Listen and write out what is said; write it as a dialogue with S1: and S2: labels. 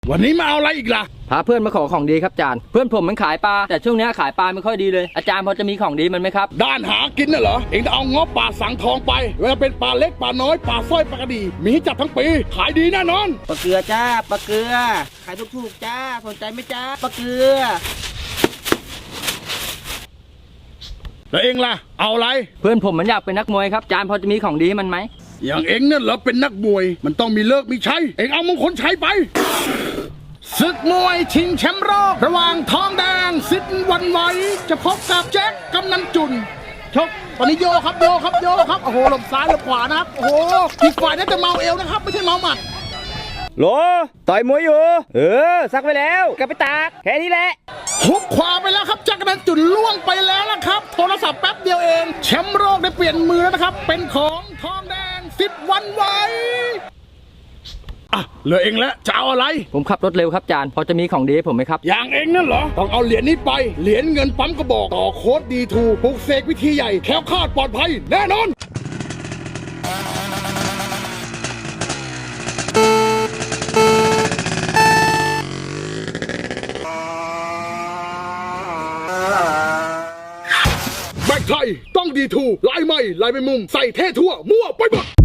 S1: วันนี้มาเอาอะไรอีกล่ะ
S2: พาเพื่อนมาขอของดีครับอาจารย์เพื่อนผมมันขายปลาแต่ช่วงนี้ขายปลาไม่ค่อยดีเลยอาจารย์พอจะมีของดีมันไหมครับ
S1: ด้านหากินน่ะเหรอเองจะเอาง้อป่าสังทองไปเวลาเป็นปลาเล็กปลาน้อยปลาสร้อยปลากระดีมีให้จับทั้งปีขายดีแน่นอน
S3: ปลาเกลือจ้าปลาเกลือขายถูกๆจ้าสนใจไหมจ้าปลาเกลือ
S1: แล้วเองล่ะเอาอะไร
S2: เพื่อนผมมันอยากเป็นนักมวยครับอาจารย์พอจะมีของดีมันไหม
S1: อย่างเองเนี่ยเหรอเป็นนักมวยมันต้องมีเลิกมีใช้เองเอามงคลชัยไปศึกมวยชิงแชมป์โลกระหว่างทองแดงสิทธิ์วันไหวจะพบกับแจ็คกำนันจุนชกตอนนี้โยครับโยครับโยครับโอ้โหหลบซ้ายหลบขวานะครับโอ้โหอีกฝ่ายน่าจะเมาเอวนะครับไม่ใช่เมาหมัด
S3: โหลต่อยมวยอยู่ซักไปแล้วกลับไปตากแค่นี้แหละ
S1: หุบขวาไปแล้วครับแจ็คกำนันจุนล่วงไปแล้วนะครับโทรศัพท์แป๊บเดียวเองแชมป์โลกได้เปลี่ยนมือแล้วนะครับเป็นของทองแดงสิทธิ์วันไหวอ่ะเหลือเองแล้วจะเอาอะไร
S2: ผมขับรถเร็วครับอาจารย์พอจะมีของดีให้ผมไหมครับ
S1: อย่างเองนั่นเหรอต้องเอาเหรียญนี้ไปเหรียญเงินปั๊มกระบอกต่อโค้ดดีทูปลุกเสกวิธีใหญ่แคล้วคลาดปลอดภัยแน่นอนแบกไทยต้องดีทูลายใหม่ลายเป็นมุมใส่เท่ทั่วมั่วไปหมด